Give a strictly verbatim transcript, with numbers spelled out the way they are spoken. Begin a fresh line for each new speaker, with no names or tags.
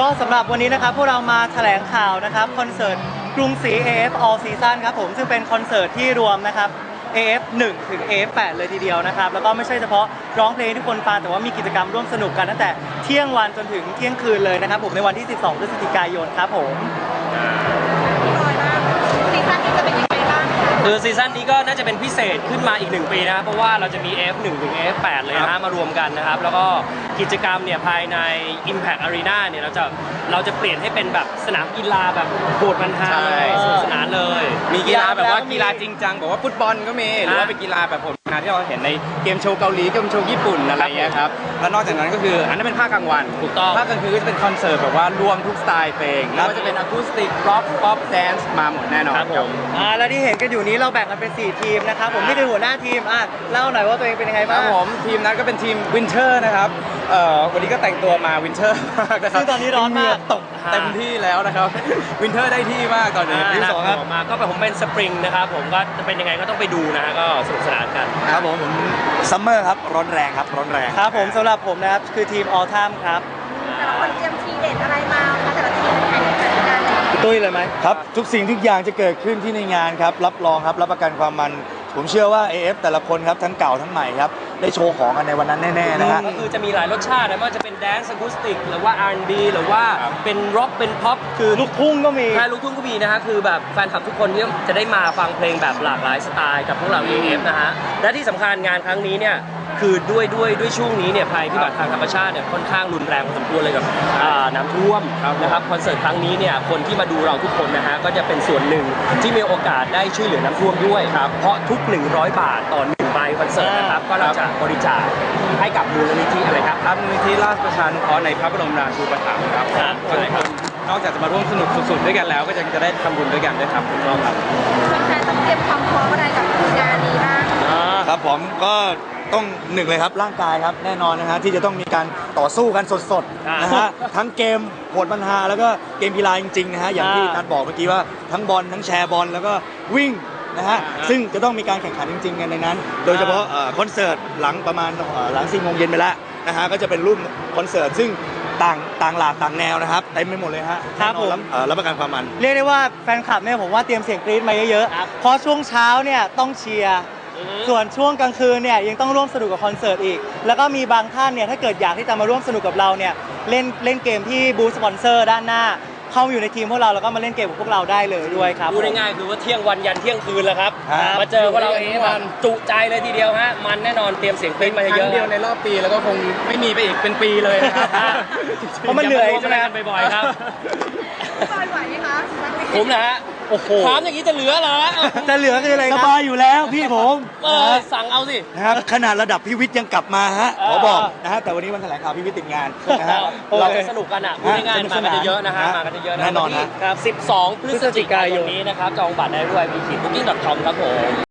สำหรับวันนี้นะครับพวกเรามาแถลงข่าวนะครับคอนเสิร์ตกรุงศรี เอ เอฟ All Season ครับผมซึ่งเป็นคอนเสิร์ตที่รวมนะครับ เอ เอฟ หนึ่ง ถึง เอ เอฟ แปด เลยทีเดียวนะครับแล้วก็ไม่ใช่เฉพาะร้องเพลงที่คนฟังแต่ว่ามีกิจกรรมร่วมสนุกกันตั้งแต่เที่ยงวันจนถึงเที่ยงคืนเลยนะครับผมในวันที่สิบสองพฤศจิกายนครับผม
พี่บอยบ้างซีซั่นนี้จะเป็นยังไงบ้าง
คือซีซั่นนี้ก็น่าจะเป็นพิเศษขึ้นมาอีกหนึ่งปีนะครับเพราะว่าเราจะมี เอ เอฟ หนึ่ง ถึง เอ เอฟ แปด เลยนะฮะมารวมกันนะครับแล้วก็กิจกรรมเนี่ยภายใน Impact Arena เนี่ยเราจะเราจะเปลี่ยนให้เป็นแบบสนามกีฬาแบบโหดมันฮาสนุกสนานเลย
มีกีฬาแบบว่ากีฬาจริงจังบอกว่าฟุตบอลก็มีหรือว่าเป็นกีฬาแบบผมงานที่เราเห็นในเกมโชว์เกาหลีเกมโชว์ญี่ปุ่นอะไรเงี้ยครับแล้วนอกจากนั้นก็คืออันนั้นเป็นภาคกลางวัน
ถูกต้อง
ภาคกลางคืนก็จะเป็นคอนเสิร์ตแบบว่ารวมทุกสไตล์เพลงไม่ว่าจะเป็นอะคูสติกร็อกป๊อปแดนซ์มาหมดแน่นอน
ครับผม
อ่าแล้วที่เห็นกันอยู่นี้เราแบ่งกันเป็นสี่ทีมนะครับผมนี่คือหัวหน้าทีมอ่ะเล่าหน่อยว่าตัวเองเป็นยังไงบ้าง
ครับผมทีมนั้นก็เป็นทีมวินเทอร์นะครับเอ่อวันนี้ก็แต่งตัวมาวินเทอร์มากนะครับ
ซึ่งตอนนี้ร้อนมาก
ตกเต็มที่แล้วนะครับวินเทอร์ได้ที่มากตอนนี้
ที่สองครับมาก็เป็นผมเป็นสปริงนะครับผมก็จะเป็นยังไงก็ต้องไปดูนะฮะก็สนุกสนานกัน
ครับผมผมซัมเมอร์ครับร้อนแรงครับร้อนแรง
ครับผมสำหรับผมนะครับคือทีม All Time ครับ
แต่ละคนเตรียมทีเด็ดอะไรมาคะแต่ละทีมแข่งขันกัน
ตุ้ยเลยไหม
ครับทุกสิ่งทุกอย่างจะเกิดขึ้นที่ในงานครับรับรองครับรับประกันความมันผมเชื่อว่า เอ เอฟ แต่ละคนครับทั้งเก่าทั้งใหม่ครับได้โชว์ของกันในวันนั้นแน่ๆนะฮะ
ก็คือจะมีหลายรสชาตินะไม่ว่าจะเป็นแดนซ์อะคูสติกหรือว่า อาร์ แอนด์ บี หรือว่าเป็นร็อกเป็นพ็อปคือ
ลูกทุ่งก็มี
ใช่ลูกทุ่งก็มีนะฮะคือแบบแฟนคลับทุกคนที่จะได้มาฟังเพลงแบบหลากหลายสไตล์กับพวกเรา เอ เอฟ นะฮะและที่สำคัญงานครั้งนี้เนี่ยคือด้วยด้วยด้วยช่วงนี้เนี่ยภัยพิบัติทางธรรมชาติเนี่ยค่อนข้างรุนแรงพอสมควรเลยกับน้ำท่วมนะครับคอนเสิร์ตครั้งนี้เนี่ยคนที่มาดูเราทุกคนนะฮะก็จะเป็นส่วนหนึ่งที่มีโอกาสได้ช่วยเหลือน้ำท่วมด้วยครับเพราะทุกหนึ่งร้อยบาทต่อหนึ่งใบคอนเสิร์ตนะครับก็เราจะบริจาคให้กับมูลนิธิอะไรครับ
ครับมูลนิธิราชประชานุเคราะห์ในพระบรมราชูปถัมภ์ครับ
ใช่ครับ
นอกจากจะมาร่วมสนุกสุดๆด้วยกันแล้วก็จะจะได้ทำบุญด้วยกันด้วยครับคุณพ่อครับ
แฟนๆต้องเตรียมความพร้อมอะไรกับงานนี้บ้าง
ครับผมก็ต้องหนึ่งเลยครับร่างกายครับแน่นอนนะฮะที่จะต้องมีการต่อสู้กันสดๆนะฮะทั้งเกมโหดปัญหาแล้วก็เกมกีฬาจริงๆนะฮะอย่างที่นัทบอกเมื่อกี้ว่าทั้งบอลทั้งแชร์บอลแล้วก็วิ่งนะฮะซึ่งจะต้องมีการแข่งขันจริงๆกันในนั้นโดยเฉพาะคอนเสิร์ตหลังประมาณหลังสี่โมงเย็นไปแล้วนะฮะก็จะเป็นรุ่นคอนเสิร์ตซึ่งต่างต่างหลากต่างแนวนะครับเต็มไปหมดเลยฮะ
ครับผม
รับประกันความมัน
เรียกได้ว่าแฟนคลับเนี่ยผมว่าเตรียมเสียงกรี๊ดมาเยอะๆเพราะช่วงเช้าเนี่ยต้องเชียร์ส่วนช่วงกลางคืนเนี่ยยังต้องร่วมสนุกกับคอนเสิร์ตอีกแล้วก็มีบางท่านเนี่ยถ้าเกิดอยากที่จะมาร่วมสนุกกับเราเนี่ยเล่นเล่นเกมที่บูธสปอนเซอร์ด้านหน้าเข้ามาอยู่ในทีมพวกเราแล้วก็มาเล่นเกมกับพวกเราได้เลยด้วยครับ
พูดง่ายๆคือว่าเที่ยงวันยันเที่ยงคืนแล้วครับมาเจอพวกเราเองมันจุใจเลยทีเดียวฮะมันแน่นอนเตรียมเสียงกรี๊ดมาเยอะ
ๆเดียวในรอบปีแล้วก็คงไม่มีไปอีกเป็นปีเลยนะครับ
เพราะมันเหนื่อยใช่ไหม
กันบ่อยๆครับ
บอยไหวไหมคะ
ผมนะฮะ
โอ้โห
ถามอย่างนี้จะเหลือเหรอ
จะเหลือคืออะไร
สบายอยู่แล้วพี่ผม
เออสั่งเอาสิ
นะครับขนาดระดับพี่วิทย์ยังกลับมาฮะขอบอกนะฮะแต่วันนี้วันแถลงข่าวพี่วิทย์ติดงานนะฮะ
เราจะสนุกกันอ่ะพูดง่ายๆมากันเยอะๆนะฮะมากันเยอะๆ
แน่นอน
ครับสิบสองพฤศจิกายนนี้นะครับจองบัตรได้ด้วย วี คิด บุ๊กิ้ง ดอท คอม ครับผม